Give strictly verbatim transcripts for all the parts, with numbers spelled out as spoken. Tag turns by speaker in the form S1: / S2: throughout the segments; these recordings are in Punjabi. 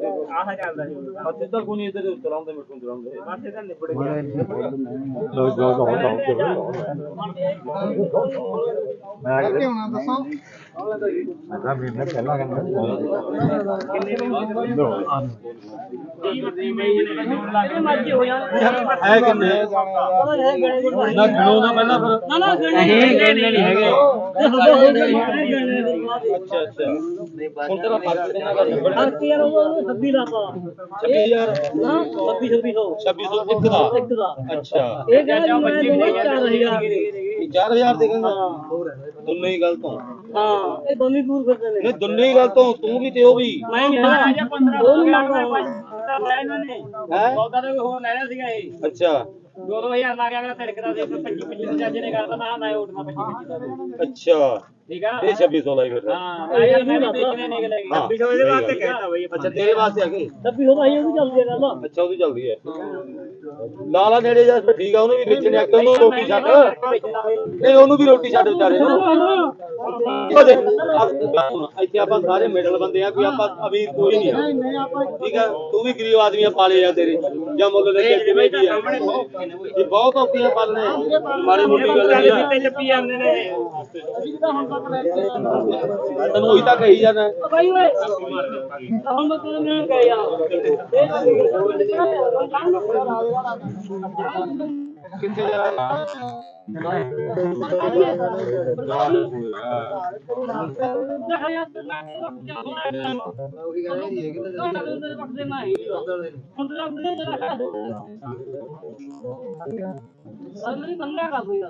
S1: ਆਹ ਚੱਲਦਾ ਸੀ
S2: ਅੱਛਾ ਤਾਂ ਕੋਈ ਨਹੀਂ ਇਧਰ ਚਲਾਉਂਦੇ ਮਿੱਠੂ ਚਲਾਉਂਦੇ
S1: ਬਸ ਇਹਦਾ ਨਿਬੜ ਗਿਆ
S2: ਲੋ ਲੋ ਲੋ ਮੈਂ
S3: ਕਿੱਥੇ ਹੋਣਾ ਦੱਸੋ
S2: ਮੈਂ ਵੀ ਮੈਂ ਪਹਿਲਾਂ ਕਹਿੰਦਾ
S1: ਮਰਜ਼ੀ ਹੋ ਜਾਣ
S2: ਹੈ ਕਿੰਨੇ ਨਾ ਗਿਣੋ ਨਾ ਪਹਿਲਾਂ ਫਿਰ
S1: ਨਾ ਨਾ ਗਣੇ ਨਹੀਂ ਹੈਗੇ
S2: ਅੱਛਾ ਅੱਛਾ ਹੁਣ ਤੇਰਾ ਫਰਕ ਕਿੰਨਾ ਕਰ
S1: ਫਰਕ ਯਾਰ ਉਹ ਛੱਬੀ ਦਾ ਪਾ
S2: ਛੱਬੀ ਹਜ਼ਾਰ
S1: ਹਾਂ ਛੱਬੀ ਛੱਬੀ ਸੌ
S2: ਛੱਬੀ ਸੌ ਇੱਕ ਦਾ
S1: ਇੱਕ ਦਾ
S2: ਅੱਛਾ
S1: ਇਹ ਕਹਿੰਦਾ ਮੈਂ ਦੂੰਗਾ ਚਾਰ ਹਜ਼ਾਰ
S2: ਚਾਰ ਹਜ਼ਾਰ ਦੇ ਕਹਿੰਦਾ ਦੋਨੇ ਹੀ ਗਲਤ ਹੋ
S1: ਹਾਂ ਇਹ ਦੋਨੀ ਦੂਰ ਫਿਰਦੇ ਨੇ
S2: ਨਹੀਂ ਦੋਨੇ ਹੀ ਗਲਤ ਹੋ ਤੂੰ ਵੀ ਤੇ ਉਹ ਵੀ
S1: ਮੈਂ ਨਹੀਂ ਹੈਗਾ ਪੰਦਰਾਂ ਉਹ ਨਹੀਂ ਮੰਗਦਾ ਇਹਨਾਂ ਨੇ
S2: ਹੈ
S1: ਸੌਦਾ ਤੇ ਹੋਰ ਲੈਣਾ ਸੀਗਾ ਇਹ
S2: ਅੱਛਾ
S1: ਦੋ ਦੋ ਹਜ਼ਾਰ ਲਾ ਕੇ ਅਗਲਾ ਧੜਕਦਾ ਸੀ ਪੱਚੀ ਪੱਚੀ ਜੱਜ ਨੇ ਕਰਦਾ ਮੈਂ ਮੈਂ ਉੱਠਣਾ ਪੱਚੀ ਪੱਚੀ ਦਾ
S2: ਅੱਛਾ
S1: ਠੀਕ ਆ
S2: ਇਹ ਛੱਬੀ ਸੌ ਲਾਈ ਫਿਰ
S1: ਹਾਂ ਮੈਂ ਯਾਰ ਮੈਂ ਵੇਚਣੇ ਨੇ ਲੈ
S2: ਹਾਂ।
S1: ਛੱਬੀ ਸੌ ਇਹਦੇ ਵਾਸਤੇ ਕਹਿਤਾ ਬਈ
S2: ਅੱਛਾ ਤੇਰੇ ਵਾਸਤੇ ਆ ਗਏ
S1: ਛੱਬੀ ਸੌ ਭਾਈ ਉਹ ਵੀ ਚੱਲਦੀ ਹੈ ਗੱਲ
S2: ਅੱਛਾ ਉਹਦੀ ਚੱਲਦੀ ਹੈ ਲਾਲਾ ਨੇੜੇ ਜਾ ਫਿਰ ਠੀਕ ਆ ਉਹਨੂੰ ਵੀ ਵੇਚਣੇ ਆ ਉਹਨੂੰ ਰੋਟੀ ਛੱਡ ਨਹੀਂ ਉਹਨੂੰ ਵੀ ਰੋਟੀ ਛੱਡ ਵਿਚਾਰੇ ਨੂੰ ਇੱਥੇ ਆਪਾਂ ਸਾਰੇ ਮਿਡਲ ਬੰਦੇ ਆ ਕੋਈ ਆਪਾਂ ਅਮੀਰ ਕੋਈ ਨਹੀਂ ਆ ਠੀਕ ਆ ਤੂੰ ਵੀ ਗਰੀਬ ਆਦਮੀ ਆ ਪਾਲੇ ਆ ਤੇਰੇ ਜਾਂ ਮੁੱਲ ਦੇ ਕੇ ਕਿਵੇਂ ਦੀ ਆ ਇਹ ਬਹੁਤ ਔਖੀਆਂ ਪਾਲਣੇ ਮਾੜੀ ਮੋਟੀ ਗੱਲ ਨਹੀਂ ਆ
S1: ਚੱਪੀ ਜਾਂਦੇ ਨੇ
S2: ਤੈਨੂੰ ਉਹੀ ਤਾਂ ਕਹੀ ਜਾਣਾ
S1: ਭਾਈ ਓਏ ਹੁਣ ਮੈਂ ਤੈਨੂੰ ਨਹੀਂ ਕਹਿ ਯਾਰ
S2: ਕਿੱਥੇ ਜਾ
S1: ਅਗਲੀ ਬੰਦਾ ਕਰ ਕੋਈ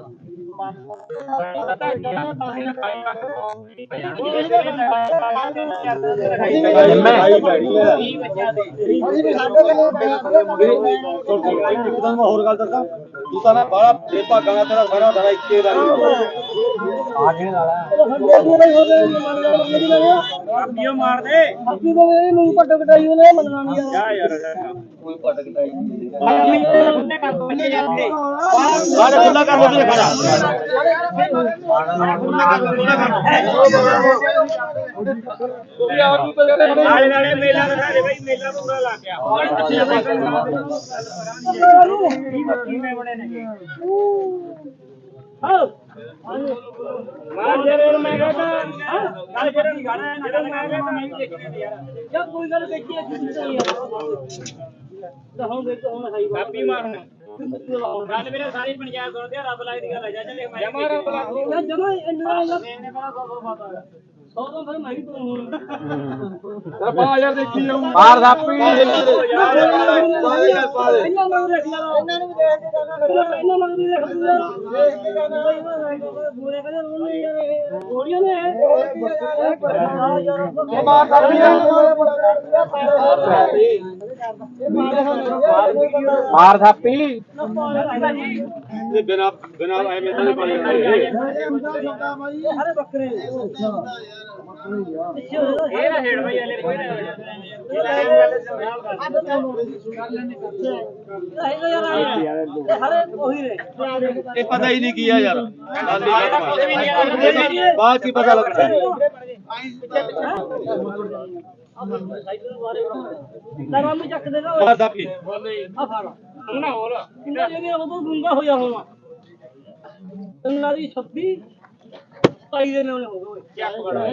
S2: ਇੱਕਦਮ ਹੋਰ ਗੱਲ ਦੱਸਾਂ ਤੂੰ ਤਾਂ ਨਾ ਬੜਾ ਬੇਭਾਗਾ ਨਾਲ ਤੇਰਾ ਸਾਰਾ ਸਾਰਾ ਇੱਕੇ ਦਾ ਆਖੇ ਵਾਲਾ
S1: ਆਪੀਓ ਮਾਰ ਦੇ ਆਪੀ ਤੋਂ ਇਹ ਨੂੰ ਪੱਟ ਕਟਾਈ ਉਹਨੇ ਮੰਨਣਾ ਨਹੀਂ ਯਾਰ ਯਾਰ
S2: ਕੋਈ ਪਟ ਕਟਾਈ
S1: ਉਹਨੇ ਕੰਮ ਬੱਚੇ ਜਾਂਦੇ
S2: ਬਾਹਰ ਖੁੱਲਾ ਕਰ ਦੇ ਖੜਾ
S1: ਨਾਲੇ ਨਾਲੇ ਮੇਲਾ ਦਿਖਾ ਬਈ ਮੇਲਾ ਪੂਰਾ ਲੱਗ ਗਿਆ ਕਿਵੇਂ ਬਣੇ ਨੇ ਹਾਂ ਮਾਰ ਜਰੇ ਮੈਂ ਕਹਿੰਦਾ ਨਾਲ ਜਰੇ ਨਹੀਂ ਗਾਣਾ ਜਿਹੜਾ ਮੈਂ ਕਹਿੰਦਾ ਮੈਂ ਵੀ ਦੇਖਣਾ ਯਾਰ ਯਾ ਕੋਈ ਗੱਲ ਵੇਚੀ ਹੈ ਕਿਸੇ ਤੋਂ ਯਾਰ ਤਾਂ ਹੁਣ ਦੇਖ ਹੁਣ ਹਾਈ ਕਾਪੀ ਮਾਰਨ ਗੱਲ ਮੇਰੇ ਸਾਰੀ ਪੰਚਾਇਤ ਸੁਣਦੇ ਆ ਰੱਬ ਲਾਈ ਦੀ ਗੱਲ ਹੈ ਜਾਂ ਚੱਲੇ ਮੈਂ ਜਮਾ ਰੱਬ ਲਾ ਜਮਾ ਇੰਨਾ ਮੈਨੇ ਬੜਾ ਸੌ ਸੌ ਬਾਤ ਆ ਸੌ ਤੋਂ ਫਿਰ ਮੈਂ ਵੀ ਤੂੰ ਤੇਰਾ ਪਾ ਯਾਰ ਦੇਖੀ ਜਾਊ
S2: ਮਾਰ ਥਾਪੀ
S1: ਇਹਨਾਂ ਨੂੰ ਦੇਖ ਲਾ ਇਹਨਾਂ ਨੂੰ ਦੇਖ ਦੇ ਇਹਨਾਂ ਨੂੰ ਦੇਖ ਬੂਰੇ ਕਦੇ ਰੋਣੇ ਯਾਰ ਗੋਲੀਆਂ ਨੇ
S2: ਮਾਰ ਥਾਪੀ ਮਾਰ ਥਾਪੀ ਇਹ ਬਿਨਾ ਬਿਨਾ ਐਵੇਂ ਤਾਂ ਨਹੀਂ ਪਾਣੀ
S1: ਅਰੇ ਬੱਕਰੇ ਇਹ ਨਾ ਛੇੜ ਬਈ ਹਲੇ ਕੋਈ ਨਾ ਹਰੇ ਉਹੀ ਨੇ
S2: ਇਹ ਪਤਾ ਹੀ ਨਹੀਂ ਕੀ ਆ ਯਾਰ ਬਾਅਦ ਕੀ ਪਤਾ ਲੱਗਦਾ
S1: ਨਰਮ ਵੀ ਚੱਕ ਦੇਗਾ
S2: ਮਾਰ ਥਾਪੀ
S1: ਆ ਫੜ ਉਹਨਾਂ ਹੋਰ ਇਹਨਾਂ ਜਿਹੜੇ ਉਦੋਂ ਗੁੰਗਾ ਹੋਇਆ ਹੋਣਾ ਇਹਨਾਂ ਦੀ ਛੱਬੀ ਪਾਈ ਦੇ ਨੇ ਉਹਨੇ ਹੋ ਗਏ ਚੱਕ ਬੜਾ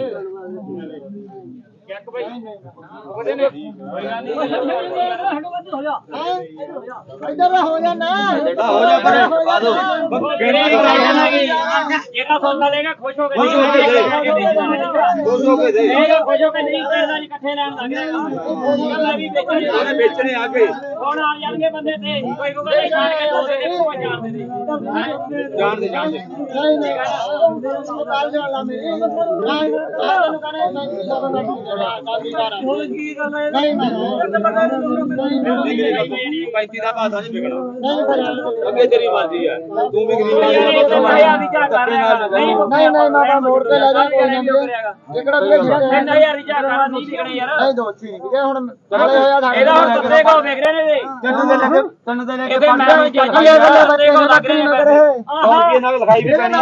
S1: ਚੱਕ ਬਈ ਉਹਦੇ ਨੇ ਕੋਈ ਗੱਲ ਨਹੀਂ ਹਟੋ ਬੱਤ ਹੋ ਜਾ
S3: ਇੱਧਰ ਹੋ ਜਾ ਨਾ
S2: ਬੇਟਾ ਹੋ ਜਾ ਪਰੇ ਪਾ ਦੋ
S1: ਕਿਹੜੇ ਜਿਹੜਾ ਸੌਦਾ ਲੇਗਾ ਖੁਸ਼ ਹੋ ਕੇ
S2: ਖੁਸ਼ ਹੋ ਕੇ ਦੇ ਖੁਸ਼ ਹੋ ਕੇ ਦੇ
S1: ਇਹ ਖੁਸ਼ ਹੋ ਕੇ ਨਹੀਂ ਪੈਸਾ ਇਕੱਠੇ ਲੈਣ ਲੱਗ ਜਾਏਗਾ ਗੱਲਾਂ ਵੀ ਵੇਚਣੇ
S2: ਵੇਚਣੇ ਆ ਕੇ
S1: ਹੁਣ ਆ ਜਾਣਗੇ ਬੰਦੇ ਤੇ ਕੋਈ ਕੋਈ ਕਹਿੰਦਾ ਛਾੜ ਕੇ ਦੋ ਦੇ ਦੇ ਕੋਈ ਚਾਰ ਦੇ ਦੇ
S2: ਜਾਣ ਦੇ ਜਾਣ ਦੇ
S3: ਨਹੀਂ ਨਹੀਂ ਕਾਲ ਜਾਣ ਲਾ ਮੇਰੇ ਨਹੀਂ ਤੈਨੂੰ ਕਹਿੰਦਾ
S1: ਹੁਣ ਕੀ ਗੱਲ ਹੈ
S3: ਨਹੀਂ
S2: ਪੈਂਤੀ ਦਾ ਭਾਅ ਨਹੀਂ ਵਿਕਣਾ
S3: ਨਹੀਂ
S2: ਅੱਗੇ ਤੇਰੀ ਮਰਜ਼ੀ ਆ ਤੂੰ ਵੀ ਗਰੀਬ
S1: ਯਾਰ ਇਹ ਤਾਂ ਭਾਇਆ ਵੀ ਕਿਆ ਕਰ ਰਿਹਾ ਨਹੀਂ
S3: ਨਹੀਂ ਨਹੀਂ ਮਾਤਾ ਮੋੜ ਤੇ ਲੈ ਜਾ ਕੋਈ ਨਾ ਜਿਹੜਾ ਵੀ
S1: ਇੰਨਾ ਯਾਰ ਰਿਚਾ ਕਰਾ ਨਹੀਂ ਵਿਕਣੇ ਯਾਰ
S3: ਨਹੀਂ ਦੋ ਠੀਕ ਹੈ ਹੁਣ ਨਾਲੇ ਹੋਇਆ
S1: ਇਹਦਾ ਹੁਣ ਤੱਤੇ ਕੋ ਵੇਖ ਰਹੇ ਨੇ
S2: ਤਿੰਨ ਦੇ ਲੈ ਕੇ ਤਿੰਨ ਦੇ ਲੈ ਕੇ
S1: ਇਹਦੇ ਮੈਂ ਜੱਜੀ ਆ ਲੱਗ ਰਹੇ ਨੇ
S3: ਮਗਰ ਇਹ
S2: ਕੌਣ ਕੀ ਨਾਲ ਲਿਖਾਈ ਵੀ ਪੈਣੀ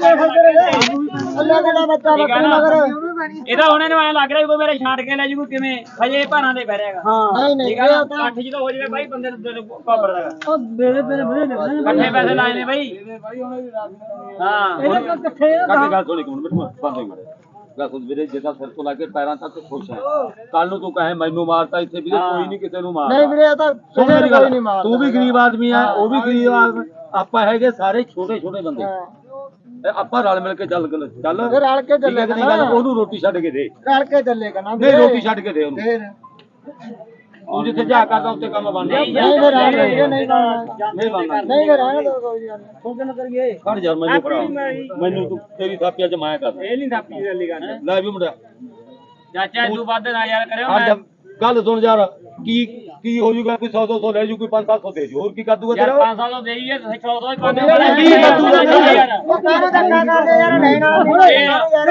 S3: ਅੱਲਾ ਕਿਹੜਾ ਬੱਚਾ ਬੱਕਰੀ ਮਗਰ
S1: ਇਹਦਾ ਹੁਣ ਇਹਨੂੰ ਐ ਲੱਗ ਰਿਹਾ ਕੋਈ ਮੇਰੇ ਛਾਂਟ ਕੇ ਲੈ ਜੂ ਕਿਵੇਂ ਹਜੇ ਭਾਰਾਂ ਦੇ ਬਹਿ
S3: ਹਾਂ ਨਹੀਂ ਨਹੀਂ
S1: ਠੀਕ ਆ ਨਾ ਅੱਠ ਜਦੋਂ ਹੋ ਜਾਵੇ ਬਾਈ ਬੰਦੇ ਨੂੰ ਕਾਬਰ ਦਾ ਉਹ ਮੇਰੇ ਮੇਰੇ ਮੇਰੇ ਇਕੱਠੇ ਪੈਸੇ ਲਾਏ ਨੇ ਬਾਈ ਹਾਂ ਇਹਦੇ ਕੋਲ ਇਕੱਠੇ
S2: ਕਾਕੇ ਗੱਲ ਸੁਣੀ ਕੋਣ ਮੈਨੂੰ ਬੰਦ ਹੋਈ ਮੜੇ ਗੱਲ ਸੁਣ ਵੀਰੇ ਜਿੱਦਾਂ ਸਿਰ ਤੋਂ ਲਾ ਕੇ ਪੈਰਾਂ ਤੱਕ ਖੁਸ਼ ਹੈ ਕੱਲ ਨੂੰ ਤੂੰ ਕਹੇ ਮੈਨੂੰ ਮਾਰਤਾ ਇੱਥੇ ਵੀਰੇ ਕੋਈ ਨਹੀਂ ਕਿਸੇ ਨੂੰ ਮਾਰਦਾ
S3: ਨਹੀਂ ਵੀਰੇ ਇਹ ਤਾਂ
S2: ਸੁਣ ਮੇਰੀ ਗੱਲ
S3: ਨਹੀਂ ਮਾਰਦਾ
S2: ਤੂੰ ਵੀ ਗਰੀਬ ਆਦਮੀ ਆ ਉਹ ਵੀ ਗਰੀਬ ਆਦਮੀ ਆਪਾਂ ਹੈਗੇ ਸਾਰੇ ਛੋਟੇ ਛੋਟੇ ਬੰਦੇ ਆਪਾਂ ਰਲ ਮਿਲ ਕੇ ਚੱਲ ਚੱਲ
S3: ਫਿਰ ਰਲ ਕੇ ਚੱਲੇ
S2: ਨਹੀਂ ਗੱਲ ਉਹਨੂੰ ਰੋਟੀ ਛੱਡ ਕੇ ਦੇ
S3: ਰਲ ਕੇ ਚੱਲੇਗਾ ਨਾ
S2: ਨਹੀਂ ਰੋਟੀ ਛੱਡ ਕੇ ਦੇ ਉਹਨੂੰ
S3: ਫਿਰ
S2: ਤੂੰ ਜਿੱਥੇ ਜਾ ਕਰਦਾ ਉੱਥੇ ਕੰਮ ਬਣਦਾ
S3: ਨਹੀਂ ਫਿਰ ਰਲ ਕੇ ਨਹੀਂ
S2: ਨਹੀਂ ਬਣਦਾ
S3: ਨਹੀਂ ਫਿਰ ਰਹਿਣ ਦੋ ਕੋਈ ਗੱਲ ਨਹੀਂ
S1: ਹੁਣ ਕਿੰਨਾ ਕਰੀਏ
S2: ਖੜ ਜਾ ਮੈਨੂੰ ਫੜਾ ਮੈਨੂੰ ਤੂੰ ਤੇਰੀ ਥਾਪੀਆਂ ਚ ਮਾਇਆ ਕਰ
S1: ਇਹ ਨਹੀਂ ਥਾਪੀ ਵਾਲੀ ਗੱਲ
S2: ਲੈ ਵੀ ਮੁੰਡਾ
S1: ਚਾਚਾ ਤੂੰ ਵੱਧ ਨਾ ਯਾਰ ਕਰਿਓ
S2: ਅੱਜ ਗੱਲ ਸੁਣ ਯਾਰ ਕੀ ਕੀ ਹੋ ਜੂਗਾ ਕੋਈ ਸੌ ਦੋ ਸੌ ਲੈ ਜੂ ਕੋਈ ਪੰਜ ਸੱਤ ਸੌ ਦੇ ਜੂ ਹੋਰ ਕੀ ਕਰ ਦੂਗਾ
S1: ਯਾਰ
S2: ਤੇਰਾ
S1: ਪੰਜ ਸੌ ਤੋਂ ਦੇਈਏ ਸੌ ਤੋਂ ਹੀ ਪੰਜ
S3: ਉਹ ਕਾਹਨੂੰ ਧੱਕਾ ਕਰਦੇ ਯਾਰ ਲੈਣ ਵਾਲੇ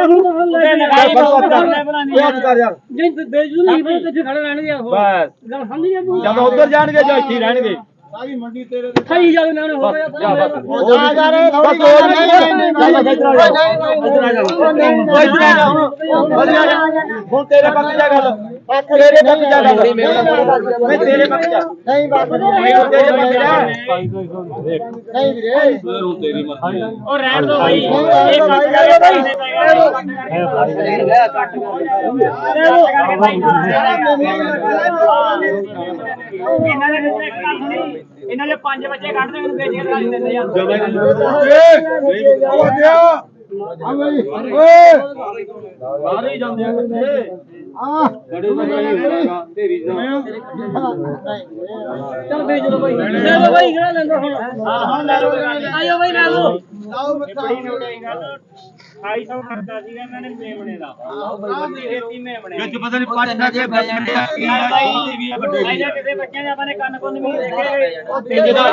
S2: ਕਰ ਯਾਰ
S1: ਜੇ ਬੇਜੂ ਨਹੀਂ ਫਿਰ ਕਿੱਥੇ ਖੜੇ ਰਹਿਣਗੇ ਉਹ
S2: ਬਸ
S1: ਗੱਲ ਸਮਝ ਗਿਆ ਤੂੰ
S2: ਜਦੋਂ ਉੱਧਰ ਜਾਣਗੇ ਜਾਂ ਇੱਥੇ ਰਹਿਣਗੇ
S3: ਸਾਰੀ ਮੰਡੀ ਤੇਰੇ
S1: ਸਹੀ ਜਾਵੇ ਨਾ ਹੋ ਗਿਆ
S2: ਜਾ ਬਸ
S3: ਉਹ ਜਾ ਜਾ ਰੇ
S2: ਬਸ ਹੋਰ ਨਹੀਂ ਨਹੀਂ ਨਹੀਂ ਇੱਧਰ ਆ ਜਾ ਵਧੀਆ ਜਾ ਹੁਣ ਤੇਰੇ ਪੱਕ ਜਾ ਗੱਲ ਤੇਰੇ ਪੱਕ ਜਾ ਗੱਲ ਮੈਂ ਤੇਰੇ ਪੱਕ ਜਾ
S3: ਨਹੀਂ ਬਾਤ
S2: ਮੈਂ ਤੇਰੇ ਪੱਕ ਜਾ
S3: ਨਹੀਂ ਵੀਰੇ
S2: ਹੁਣ ਤੇਰੀ ਮਰਜ਼ੀ
S1: ਉਹ ਰਹਿਣ ਦੋ ਬਾਈ ਇਹ ਕੱਟ ਕਰੇ ਇਹਨਾਂ ਦੇ ਇਹਨਾਂ ਦੇ ਪੰਜ ਬੱਚੇ ਕੱਢ ਦੇ ਮੈਨੂੰ ਵੇਚ ਕੇ ਖਾ ਦਿੰਦੇ ਯਾਰ
S2: ਸਾਰੇ ਜਾਂਦੇ ਆ ਕਿੱਥੇ
S3: ਆ
S2: ਬੜੇ ਬੜੇ ਤੇਰੀ
S1: ਚੱਲ ਵੇਚ ਲੋ ਬਾਈ ਲੈ ਲੋ ਬਾਈ ਕਿਹੜਾ ਲੈਂਦਾ ਹੁਣ ਹਾਂ ਹੁਣ ਲੈ ਲੋ ਆਇਓ ਬਾਈ ਲੈ ਲੋ
S3: ਆਓ ਬੱਚਾ
S1: ਢਾਈ ਸੌ ਕਰਦਾ ਸੀਗਾ ਇਹਨਾਂ ਨੇ ਮੇਮਣੇ ਦਾ ਬੱਤੀ ਖੇਤੀ ਮੇਮਣੇ
S2: ਵਿੱਚ ਪਤਾ ਨਹੀਂ ਪੰਜ ਨਾ ਕੇ
S1: ਜਾਂ ਕਿਸੇ ਬੱਚਿਆਂ ਦੇ ਆਪਾਂ ਨੇ ਕੰਨ ਕੁੰਨ ਵੀ ਦੇਖੇ
S2: ਇਹਦੇ ਦਾ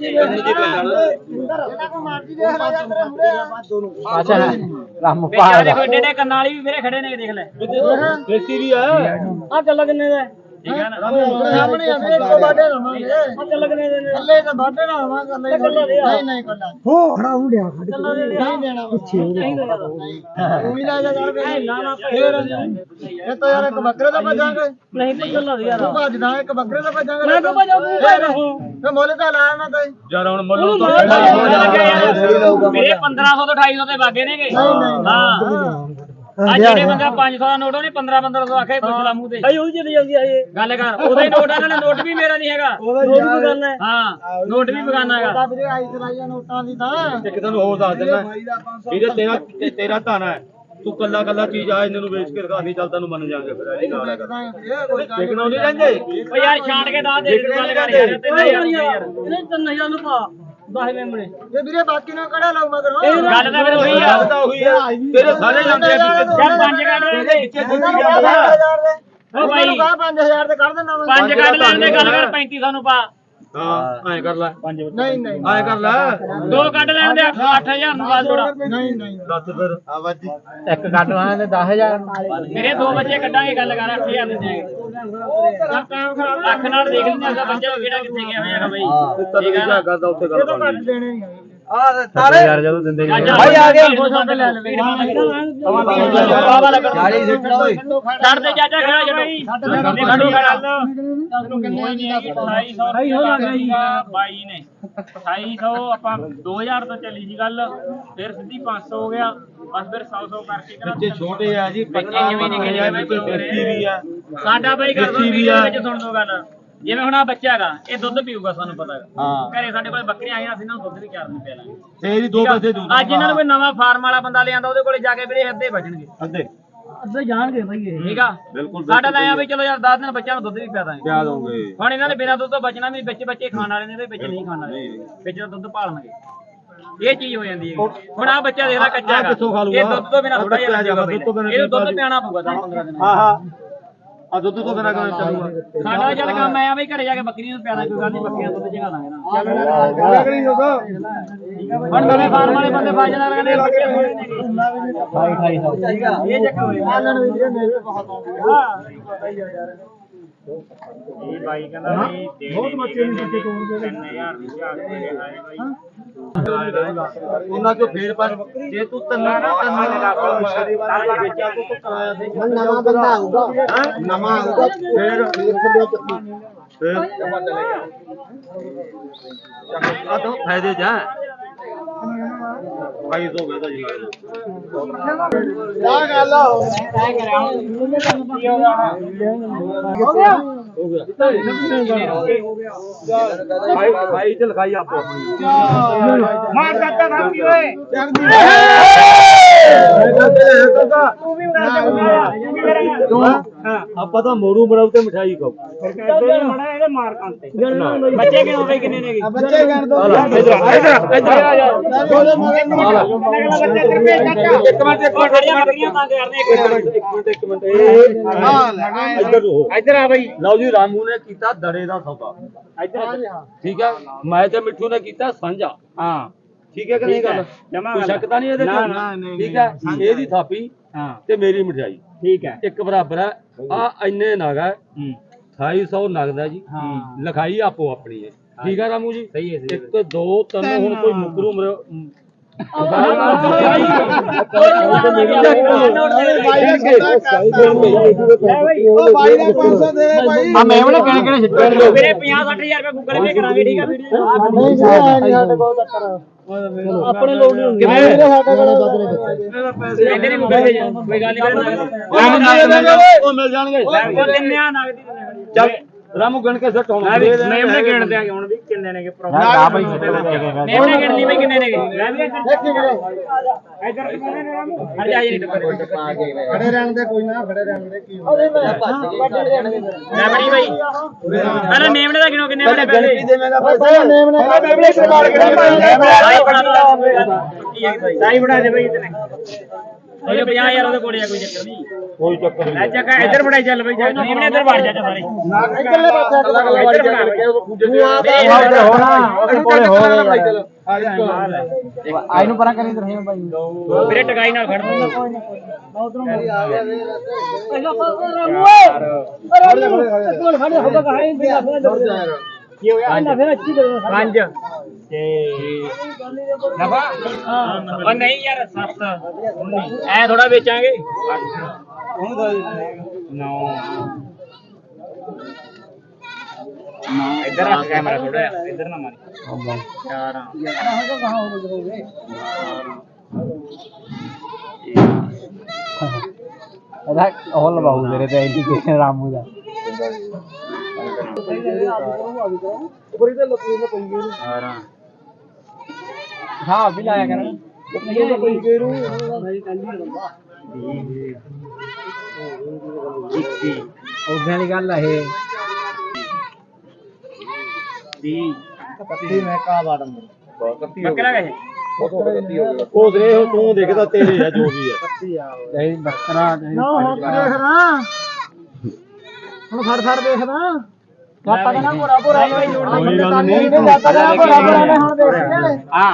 S3: ਇਹਦਾ ਕੋ ਮਾਰਦੀ ਦੇ ਹਲਾ ਜਾ ਤੇਰੇ ਮੂਰੇ
S2: ਅੱਛਾ ਰਾਮ
S1: ਵੇਖਿਆ ਦੇਖੋ ਏਡੇ ਏਡੇ ਕੰਨ ਵਾਲੀ ਵੀ ਮੇਰੇ ਖੜੇ ਨੇ ਦੇਖ ਲੈ
S2: ਦੇਸੀ ਵੀ ਆ
S1: ਆ ਚੱਲ ਕਿੰਨੇ ਦਾ ਠੀਕ ਹੈ ਨਾ
S3: ਸਾਹਮਣੇ ਆ ਮੇਰੇ ਕੋ ਬਾਡੇ ਰਵਾਂਗੇ
S1: ਆ ਚੱਲ ਕਿੰਨੇ ਦੇ ਨੇ
S3: ਥੱਲੇ ਤਾਂ ਬਾਡੇ ਨਾ ਆਵਾਂਗਾ ਨਹੀਂ ਨਹੀਂ ਕੱਲਾ ਹੋ ਖੜਾ ਹੋ ਗਿਆ ਨਹੀਂ ਦੇਣਾ ਪਿੱਛੇ ਤੂੰ ਵੀ ਲੈ ਜਾ ਯਾਰ ਫੇਰ ਇਹ ਤਾਂ ਯਾਰ ਇੱਕ ਬੱਕਰੇ ਦਾ ਭਜਾਂਗੇ
S1: ਨਹੀਂ ਤਾਂ ਚੱਲ ਯਾਰ
S3: ਤੂੰ ਭਜਦਾ ਇੱਕ ਬੱਕਰੇ ਦਾ ਭਜਾਂਗੇ
S1: ਮੈਂ ਕੋ ਭਜਾਉਂ ਤੂੰ ਭਾਈ ਰਹੋ
S3: ਤੇ ਮੁੱਲ ਤਾਂ ਲਾਇਆ ਨਾ ਤੈਂ
S2: ਯਾਰ ਹੁਣ ਮੱਲੂ ਤੋਂ
S1: ਮੇਰੇ ਪੰਦਰਾਂ ਸੌ ਤੋਂ ਅਠਾਈ ਸੌ ਤੇ ਵਾਗੇ ਨੇਗੇ ਹਾਂ ਆ ਜਿਹੜੇ ਬੰਦਾ ਪੰਜ ਸੌ ਦਾ ਨੋਟ ਉਹਨੇ ਪੰਦਰਾਂ ਪੰਦਰਾਂ ਸੌ ਆਖੇ ਪੁੱਛਲਾ ਮੂੰਹ ਤੇ ਭਾਈ ਉਹ ਚਲੀ ਜਾਂਦੀ ਆ ਇਹ ਗੱਲ ਕਰ ਉਹਦਾ ਹੀ ਨੋਟ ਆ ਨਾ ਨੋਟ ਵੀ ਮੇਰਾ ਨਹੀਂ ਹੈਗਾ ਨੋਟ ਵੀ ਬਗਾਨਾ ਹੈ ਹਾਂ ਨੋਟ ਵੀ ਬਗਾਨਾ ਹੈਗਾ
S3: ਤਾਂ ਵੀਰੇ ਆਈ ਚਲਾਈਆਂ ਨੋਟਾਂ ਦੀ ਤਾਂ
S2: ਇੱਕ ਤੈਨੂੰ ਹੋਰ ਦੱਸ ਦਿੰਦਾ ਵੀਰੇ ਤੇਰਾ ਤੇ- ਤੇਰਾ ਧਾਨਾ ਹੈ ਤੂੰ ਕੱਲਾ ਕੱਲਾ ਚੀਜ਼ ਆ ਇਹਨਾਂ ਨੂੰ ਵੇਚ ਕੇ ਦਿਖਾ ਨਹੀਂ ਚੱਲ ਤੈਨੂੰ ਮੰਨ ਜਾਾਂਗੇ ਫਿਰ ਇਹ ਗੱਲ ਕਰ ਦੇਖਣਾ ਨਹੀਂ ਰਹਿੰਦੇ
S1: ਓ ਯਾਰ ਛਾਂਟ ਕੇ ਦੱਸ ਦੇ ਗੱਲ ਕਰ ਯਾਰ ਤਿੰਨ ਹਜ਼ਾਰ ਯਾਰ ਇਹਨੇ ਤਿੰਨ ਹਜ਼ਾਰ ਨੂੰ ਪਾ ਦਸ ਮੇਮਣੇ
S3: ਇਹ ਵੀਰੇ ਬਾਕੀ ਨੂੰ ਕਿਹੜਾ ਲਾਉ ਮਗਰ
S1: ਗੱਲ ਤਾਂ ਫਿਰ ਉਹੀ ਆ
S2: ਗੱਲ ਤਾਂ ਉਹੀ ਆ ਤੇਰੇ ਸਾਰੇ ਜਾਂਦੇ ਆ ਵਿੱਚ
S1: ਯਾਰ ਪੰਜ ਕੱਢ ਰਹੇ ਨੇ ਓ ਭਾਈ
S3: ਪੰਜ ਹਜ਼ਾਰ ਤੇ ਕੱਢ ਦੇਣਾ ਮੈਂ
S1: ਪੰਜ ਕੱਢ ਲੈਣ ਦੇ ਗੱਲ ਕਰ ਪੈਂਤੀ ਸੌ ਨੂੰ ਪਾ
S2: ਹਾਂ ਐਂ ਕਰ ਲੈ ਪੰਜ
S3: ਨਹੀਂ ਨਹੀਂ
S2: ਐਂ ਕਰ ਲੈ
S1: ਦੋ ਕੱਢ ਲੈਣ ਦੇ ਅੱਠ ਹਜ਼ਾਰ ਨੂੰ ਪਾ ਥੋੜਾ
S3: ਨਹੀਂ ਨਹੀਂ
S2: ਦੱਸ ਫਿਰ
S3: ਇੱਕ ਕੱਢ ਲਾਣਾ ਤੇ ਦਸ ਹਜ਼ਾਰ
S1: ਮੇਰੇ ਦੋ ਬੱਚੇ ਕੱਢਾਂਗੇ ਗੱਲ ਕਰ ਅੱਠ ਹਜ਼ਾਰ ਦੇ ਦੇਗੇ ਅੱਖ ਨਾਲ ਦੇਖ ਲੈਂਦੇ ਅਗਲਾ ਬੱਚਾ ਕਿਹੜਾ ਕਿੱਥੇ ਗਿਆ ਹੋਇਆ ਬਈ ਠੀਕ ਆ ਨਾ
S2: ਕਰਦਾ ਉੱਥੇ ਗੱਲ ਕਰਨੀ
S3: ਦੇਣੇ ਨਹੀਂ
S2: ਆ ਤਾਰੇ ਯਾਰ ਜਦੋਂ ਦਿੰਦੇ
S1: ਭਾਈ ਆ ਗਿਆ ਲੈ ਲਵੇ
S2: ਚਾਲੀ ਸਿੱਟਣਾ ਓਏ
S1: ਛੱਡ ਦੇ ਚਾਚਾ ਖੜਾ ਛੱਡੋ ਛੱਡੋ ਅਠਾਈ ਸੌ ਬਾਈ ਨੇ ਅਠਾਈ ਸੌ ਆਪਾਂ ਦੋ ਹਜ਼ਾਰ ਤੋਂ ਚੱਲੀ ਸੀ ਗੱਲ ਫਿਰ ਸਿੱਧੀ ਪੰਜ ਸੌ ਹੋ ਗਿਆ ਬਸ ਫਿਰ ਸੌ ਸੌ ਕਰਕੇ ਕਰਾ
S2: ਬੱਚੇ ਛੋਟੇ ਆ ਜੀ
S1: ਬੱਚੇ ਜਿਵੇਂ ਨਿਕਲੇ ਜਿਵੇਂ
S2: ਕੋਈ ਦੇਸੀ ਵੀ ਆ
S1: ਸਾਡਾ ਬਾਈ ਕਰ ਦੋ ਵੀਡੀਓ ਵਿੱਚ ਸੁਣ ਦੋ ਗੱਲ ਜਿਵੇਂ ਹੁਣ ਆ ਬੱਚਾ ਹੈਗਾ ਇਹ ਦੁੱਧ ਪੀਊਗਾ ਸਾਨੂੰ ਪਤਾ ਹੈ
S2: ਹਾਂ
S1: ਘਰੇ ਸਾਡੇ ਕੋਲ ਬੱਕਰੀਆਂ ਆਈਆਂ ਅਸੀਂ ਇਹਨਾਂ ਨੂੰ ਦੁੱਧ ਵੀ ਚਾਰ ਨੂੰ ਪਿਆ ਲਾਂਗੇ
S2: ਤੇਰੀ ਦੋ ਪੈਸੇ ਦੂ
S1: ਅੱਜ ਇਹਨਾਂ ਨੂੰ ਕੋਈ ਨਵਾਂ ਫਾਰਮ ਵਾਲਾ ਬੰਦਾ ਲਿਆਂਦਾ ਉਹਦੇ ਕੋਲੇ ਜਾ ਕੇ ਵੀਰੇ ਅੱਧੇ ਵੱਜਣਗੇ
S2: ਅੱਧੇ
S1: ਅੱਧੇ ਜਾਣਗੇ ਬਾਈ ਇਹ ਠੀਕ ਆ
S2: ਬਿਲਕੁਲ
S1: ਸਾਡਾ ਤਾਂ ਆ ਵੀ ਚਲੋ ਯਾਰ ਦਸ ਦਿਨ ਬੱਚਿਆਂ ਨੂੰ ਦੁੱਧ ਵੀ ਪਿਆ ਦਾਂਗੇ
S2: ਪਿਆ ਦੋਗੇ
S1: ਹੁਣ ਇਹਨਾਂ ਦੇ ਬਿਨਾਂ ਦੁੱਧ ਤੋਂ ਬਚਣਾ ਵੀ ਵਿੱਚ ਬੱਚੇ ਖਾਣ ਵਾਲੇ ਨੇ ਤੇ ਵਿੱਚ ਨਹੀਂ ਖਾਣ ਵਾਲੇ ਵਿੱਚ ਤਾਂ ਦੁੱਧ ਭਾਲਣਗੇ ਇਹ ਚੀਜ਼ ਹੋ ਜਾਂਦੀ ਹੈ ਹੁਣ ਆ ਬੱਚਾ ਦੇਖਦਾ ਕੱਚਾ ਹੈਗਾ ਇਹ ਦੁੱਧ ਤੋਂ ਬਿਨਾਂ ਥੋੜਾ ਜਿਹਾ ਇਹ ਦੁੱਧ ਪਿਆਣਾ ਪਊਗਾ ਦਸ ਪੰਦਰਾਂ ਦਿਨ
S2: ਹਾਂ ਹਾਂ ਆ ਦੁੱਧ ਤੋਂ ਬਿਨਾਂ ਕਿਵੇਂ ਚੱਲੂਗਾ
S1: ਸਾਡਾ ਚੱਲ ਕੰਮ ਆਇਆ ਬਈ ਘਰੇ ਜਾ ਕੇ ਬੱਕਰੀ ਨੂੰ ਪਿਆਣਾ ਕੋਈ ਗੱਲ ਨਹੀਂ ਬੱਕਰੀਆਂ ਦੁੱਧ ਜਗਾ ਦਾਂਗੇ ਨਾ ਹੁਣ ਨਵੇਂ ਫਾਰਮ ਵਾਲੇ ਬੰਦੇ ਬਾਜਣਾ ਕਹਿੰਦੇ ਬੱਕਰੀਆਂ ਥੋੜੇ ਨੇ ਅਠਾਈ ਸੌ ਇਹ ਚੱਕਰ ਹੋਇਆ
S3: ਆਲਣ ਵੀ ਵੀਰੇ ਮੇਰੇ ਬਹੁਤ ਆਉਂਦੇ ਆ
S1: ਇਹ ਬਾਈ ਕਹਿੰਦਾ ਵੀ ਬਹੁਤ ਬੱਚੇ ਨੇ ਬੱਚੇ ਕੋਲ ਤਿੰਨ ਹਜ਼ਾਰ ਦੀ ਝਾਕ ਦੇ ਰਿਹਾ ਹੈ ਬਾਈ
S2: ਉਹਨਾਂ ਕੋ ਫੇਰ ਪਰ ਜੇ ਤੂੰ ਤੰਨਾ ਤੰਨਾ ਵੇਚਿਆ ਤੂੰ ਤੂੰ ਕਰਾਇਆ ਦੇ
S3: ਨਵਾਂ ਬੰਦਾ ਆਊਗਾ ਨਵਾਂ ਆਊਗਾ
S2: ਫੇਰ ਫੇਰ ਆ ਤਾਂ ਫਾਇਦੇ ਜਾ ਭਾਈ ਤੋਂ ਕਹਦਾ ਜੀ
S3: ਆ ਗੱਲ ਹੋ ਗਿਆ
S2: ਹੋ ਗਿਆ ਭਾਈ ਭਾਈ ਤੇ ਲਿਖਾਈ ਆਪੋ ਆਪਣੀ
S1: ਮਾਰ ਕਰਤਾ ਭਾਬੀ ਓਏ ਤੂੰ ਵੀ ਉਡਾ ਦੇ
S2: ਤੂੰ ਆਪਾਂ ਤਾਂ ਮੋੜੂ ਬਣਾਉ ਤੇ ਮਠਾਈ ਖਾਓ
S1: ਚੱਲ ਮੜਾ ਇਹਦੇ ਮਾਰ ਕੰਤੇ ਬੱਚੇ ਕਿਉਂ ਹੋਵੇ ਕਿੰਨੇ ਨੇ
S3: ਬੱਚੇ ਕਰ ਦੋ
S2: ਇਧਰ ਇਧਰ ਇਧਰ ਆ ਜਾ
S3: ਦੋਲੇ ਮਗਰ
S1: ਬੱਚੇ ਕਿਰਪੇ ਚਾਚਾ
S2: ਇੱਕ ਮਿੰਟ ਇੱਕ ਮਿੰਟ
S1: ਖੜੀਆਂ ਬੱਕਰੀਆਂ ਤੰਗ ਕਰਨੇ
S2: ਇੱਕ ਮਿੰਟ ਇੱਕ ਮਿੰਟ ਇੱਕ ਮਿੰਟ
S3: ਹਾਂ
S2: ਇੱਧਰ ਹੋ
S1: ਇੱਧਰ ਆ ਬਈ
S2: ਲਓ ਜੀ ਰਾਮੂ ਨੇ ਕੀਤਾ ਦੜੇ ਦਾ ਸੌਦਾ
S1: ਇੱਧਰ
S2: ਠੀਕ ਹੈ ਮੈਂ ਤੇ ਮਿੱਠੂ ਨੇ ਕੀਤਾ ਸਾਂਝਾ
S1: ਹਾਂ
S2: ਠੀਕ ਹੈ ਕਿ ਨਹੀਂ ਗੱਲ
S1: ਜਮਾ
S2: ਕੋਈ ਸ਼ੱਕ ਤਾਂ ਨਹੀਂ ਇਹਦੇ
S1: ਨਾ,
S2: ਚ
S1: ਨਾ, ਨਹੀਂ,
S2: ਠੀਕ ਹੈ ਇਹਦੀ ਥਾਪੀ
S1: ਹਾਂ
S2: ਤੇ ਮੇਰੀ ਮਠਿਆਈ
S1: ਠੀਕ ਹੈ
S2: ਇੱਕ ਬਰਾਬਰ ਹੈ ਆ ਇੰਨੇ ਨਗ ਹੈ
S1: ਹੂੰ
S2: ਅਠਾਈ ਸੌ ਨਗਦ ਹੈ ਜੀ
S1: ਹਾਂ
S2: ਲਿਖਾਈ ਆਪੋ ਆਪਣੀ ਹੈ ਠੀਕ ਹੈ ਰਾਮੂ ਜੀ
S1: ਸਹੀ ਹੈ ਸਹੀ
S2: ਇੱਕ ਦੋ ਤਿੰਨ ਹੁਣ ਕੋਈ ਮੁਕਰੂ ਮਰ
S3: ਉਹ ਬਾਈ ਦਾ ਪੰਜ ਸੌ ਦੇ ਦੇ ਬਾਈ
S1: ਆ ਮੈਂ ਉਹਨੇ ਕਿਹਨੇ ਕਿਹਨੇ ਸਿੱਟੇ ਵੀਰੇ ਪੰਜਾਹ ਸੱਠ ਹਜ਼ਾਰ ਰੁਪਏ ਗੂਗਲ ਪੇ ਕਰਾਂਗੇ ਠੀਕ ਆ ਵੀਡੀਓ
S3: ਨਹੀਂ ਸਾਡੇ ਕੋਲ ਚੱਕਰ
S1: ਆਪਣੇ ਲੋਕ ਨਹੀਂ ਹੁੰਦੇ
S3: ਕਿਵੇਂ ਸਾਡੇ ਕੋਲ ਬਦਲੇ
S1: ਕਹਿੰਦੇ ਨੇ ਗੂਗਲ ਪੇ ਕੋਈ ਗੱਲ ਨਹੀਂ
S2: ਉਹ ਮਿਲ ਜਾਣਗੇ
S1: ਉਹ ਦਿੰਨੇ ਆ ਨਗਦੀ
S2: ਚੱਲ ਰਾਮੂ ਗਣ ਕੇ ਸੱਟ ਹੁਣ
S1: ਮੈਂ ਵੀ ਮੈਂ ਉਹਨੇ ਗਿਣ ਦਿਆਂ ਹੁਣ ਵੀ ਕਿੰਨੇ ਨੇਗੇ ਪ੍ਰੋਫਿਟ ਆ ਬਈ ਮੈਂ ਉਹਨੇ ਗਿਣ ਲਈ ਬਈ ਕਿੰਨੇ ਨੇਗੇ ਮੈਂ ਵੀ ਇੱਧਰ ਕਿੰਨੇ ਨੇ ਰਾਮੂ ਹਟ ਜਾ ਜੀ
S3: ਖੜੇ ਰਹਿਣ ਦੇ ਕੋਈ ਨਾ ਖੜੇ ਰਹਿਣ ਦੇ ਕੀ ਹੁੰਦਾ
S1: ਮੈਂ ਬੜੀ ਬਈ ਅਰੇ ਮੇਮਣੇ ਦਾ ਗਿਣੋ ਕਿੰਨੇ ਬਣੇ ਪੈਸੇ
S2: ਦੇਵੇਂਗਾ
S3: ਭਾਈ ਨੇਮ ਨੇ ਬੇਬਲੇ ਸੇ ਮਾਰ ਕੇ
S1: ਸਾਈ ਬਣਾ ਦੋ ਸਾਈ ਬਣਾ ਦੇ ਬਈ ਇਤਨੇ ਉਹ ਪੰਜਾਹ ਹਜ਼ਾਰ ਉਹਦੇ ਕੋਲੇ ਆ ਕੋਈ ਚੱਕਰ ਨਹੀਂ
S2: ਕੋਈ ਚੱਕਰ
S1: ਲੈ ਚੱਕਾ ਇੱਧਰ ਬੜਾਈ ਚੱਲ ਬਈ ਜਾ ਮੇਮਣੇ ਇੱਧਰ ਵੜ ਜਾ ਸਾਰੇ
S3: ਇਕੱਲੇ ਪਾਸੇ
S1: ਇੱਧਰ ਬਣਾ
S3: ਹੋਣਾ ਉਹਦੇ ਕੋਲੇ ਹੋ ਗਿਆ ਆਈ ਨੂੰ ਪਰਾਂ ਕਰੀ ਰਹੇ ਭਾਈ
S1: ਵੀਰੇ ਟਕਾਈ ਨਾਲ ਖੜ ਦੂੰਗਾ
S3: ਉਧਰੋਂ ਆ ਗਿਆ ਵੇ
S1: ਕੀ ਹੋਇਆ ਇਹਨਾਂ ਫਿਰ ਅੱਛੀ ਦੇ ਪੰਜ ਤੇ ਨਫਾ ਉਹ ਨਹੀਂ ਯਾਰ ਸੱਤ ਐ ਥੋੜਾ ਵੇਚਾਂਗੇ ਨੌ ਨੌ ਇੱਧਰ ਰੱਖ ਕੈਮਰਾ ਥੋੜਾ ਇੱਧਰ ਨਾ ਮਾਰੀ ਚਾਰ
S3: ਇਹਦਾ ਉਹ ਲਵਾਉ ਮੇਰੇ ਤੇ ਐਡੀ ਕਿ ਰਾਮੂ ਦਾ ਉਪਰ ਤੇ ਲੋਕੀ ਨੇ ਪਈ ਗਈ
S1: ਅਠਾਰਾਂ
S3: ਹਾਂ ਵੀ ਲਾਇਆ ਕਰ ਲੋਕੀ ਪਈ ਗਈ ਰੂ
S1: ਇੱਕੀ
S3: ਉਹਦੇ ਵਾਲੀ ਗੱਲ ਆ ਇਹ
S1: ਵੀਹ
S3: ਕੱਤੀ ਮੈਂ ਕਾ ਬਾੜਮ
S1: ਬੱਕਰਾ ਕਹੇ
S2: ਉਹ ਦੇ ਤੂੰ ਦੇਖਦਾ ਤੇਰੇ ਆ ਜੋ ਵੀ ਹੈ
S3: ਨਹੀਂ ਬੱਕਰਾ ਨਹੀਂ ਦੇਖਦਾ ਹੁਣ ਫੜ ਫੜ ਦੇਖਦਾ ਗਾਤਾ ਦਾ ਪੂਰਾ ਪੂਰਾ
S2: ਕੋਈ ਗੱਲ ਨਹੀਂ
S3: ਗਾਤਾ ਦਾ ਪੂਰਾ ਪੂਰਾ ਨੇ ਹੁਣ ਦੇਖਿਆ
S1: ਹਾਂ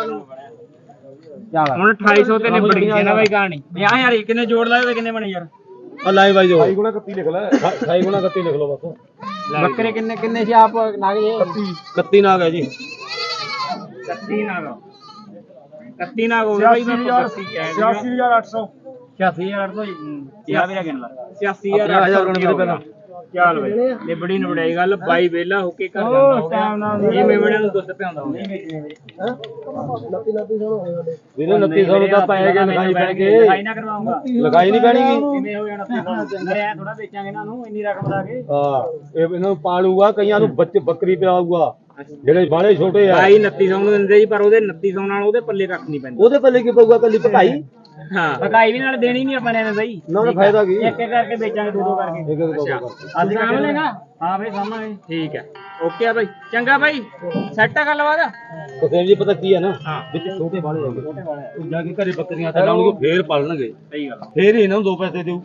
S3: ਚੱਲ
S1: ਹੁਣ ਅਠਾਈ ਸੌ ਤੇ ਨਿਬੜ ਗਈ ਹੈ ਨਾ ਬਾਈ ਕਹਾਣੀ ਪੰਜਾਹ ਹਜ਼ਾਰ ਕਿੰਨੇ ਜੋੜ ਲਾਏ ਤੇ ਕਿੰਨੇ ਬਣੇ ਯਾਰ
S2: ਆ ਲਾਈ ਬਾਈ ਜੋ ਅਠਾਈ ਗੁਣਾ ਇਕੱਤੀ ਲਿਖ ਲੈ ਅਠਾਈ ਗੁਣਾ ਇਕੱਤੀ ਲਿਖ ਲਓ ਬਸ
S3: ਬੱਕਰੇ ਕਿੰਨੇ ਕਿੰਨੇ ਸੀ ਆਪ ਨਾਗ ਜੇ
S2: ਇਕੱਤੀ ਨਾਗ ਹੈ ਜੀ
S1: ਇਕੱਤੀ ਨਾਗ ਇਕੱਤੀ ਨਾਗ ਹੋ ਗਿਆ ਬਾਈ ਮੈਂ
S3: ਛਿਆਸੀ ਹਜ਼ਾਰ ਅੱਠ ਸੌ
S1: ਛਿਆਸੀ ਹਜ਼ਾਰ ਤੋਂ ਯਾ ਵੀਰਾ ਗਿਣ ਲਾ ਛਿਆਸੀ
S2: ਪੰਜਾਹ ਹਜ਼ਾਰ ਗਣ ਕੇ ਪਹਿਲਾਂ
S1: ਚੱਲ ਬਈ ਇਹ ਬੜੀ ਨਵੜਾਈ ਗੱਲ ਬਾਈ ਵੇਲਾ ਹੋ ਕੇ ਕਰ ਜਾਂਦਾ ਇਹ ਮੇਵਣਿਆਂ ਨੂੰ ਦੁੱਧ ਪਿਆਉਂਦਾ ਹੁੰਦਾ
S3: ਲੱਤੀ ਲੱਤੀ ਸੌ ਹੋਏ ਸਾਡੇ
S2: ਵੀਰੇ ਉਨੱਤੀ ਸੌ ਨੂੰ ਤਾਂ ਪੈ ਗਏ ਲਿਖਾਈ ਪੈ ਕੇ
S1: ਲਿਖਾਈ ਨਾ ਕਰਵਾਉਂਗਾ
S2: ਲਿਖਾਈ ਨਹੀਂ ਪੈਣੀ
S1: ਕਿਵੇਂ ਹੋ ਜਾਣਾ ਮੇਰੇ ਐ ਥੋੜਾ ਵੇਚਾਂਗੇ ਇਹਨਾਂ ਨੂੰ ਇੰਨੀ ਰਕਮ ਲਾ ਕੇ
S2: ਹਾਂ ਇਹ ਇਹਨਾਂ ਨੂੰ ਪਾਲੂਗਾ ਕਈਆਂ ਨੂੰ ਬੱਚੇ ਬੱਕਰੀ ਪਿਆਊਗਾ ਜਿਹੜੇ ਬਾਲੇ ਛੋਟੇ ਆ
S1: ਬਾਈ ਉਨੱਤੀ ਸੌ ਨੂੰ ਦਿੰਦੇ ਜੀ ਪਰ ਉਹਦੇ ਉਨੱਤੀ ਸੌ ਨਾਲ ਉਹਦੇ ਪੱਲੇ ਕੱਖ ਨਹੀਂ ਪੈਂਦਾ
S2: ਉਹਦੇ ਪੱਲੇ ਕੀ ਪਊਗਾ ਕੱਲੀ ਭਕਾਈ
S1: ਹਾਂ ਭਕਾਈ ਵੀ ਨਾਲ ਦੇਣੀ ਨਹੀਂ ਆਪਾਂ ਨੇ ਬਈ
S2: ਨਾ ਉਹਦਾ ਫਾਇਦਾ ਕੀ
S1: ਇੱਕ ਇੱਕ ਕਰਕੇ ਵੇਚਾਂਗੇ ਦੋ ਦੋ ਕਰਕੇ
S2: ਇੱਕ ਇੱਕ ਦੋ ਦੋ ਕਰਕੇ।
S1: ਅੱਜ ਕੰਮ ਲੇਗਾ ਹਾਂ ਬਈ ਸਾਹਮਣੇ ਠੀਕ ਹੈ ਓਕੇ ਆ ਬਾਈ ਚੰਗਾ ਬਾਈ ਸੈੱਟ ਆ ਗੱਲਬਾਤ
S2: ਤਸੇਮ ਜੀ ਪਤਾ ਕੀ ਹੈ ਨਾ
S1: ਹਾਂ
S2: ਵਿੱਚ ਛੋਟੇ ਬਾਲੇ ਹੈਗੇ ਤੂੰ ਜਾ ਕੇ ਘਰੇ ਬੱਕਰੀਆਂ ਤਾਂ ਲਾਉਣਗੇ ਫੇਰ ਪਾਲਣਗੇ
S1: ਸਹੀ ਗੱਲ
S2: ਫੇਰ ਹੀ ਇਹਨਾਂ ਨੂੰ ਦੋ ਪੈਸੇ ਦਿਓ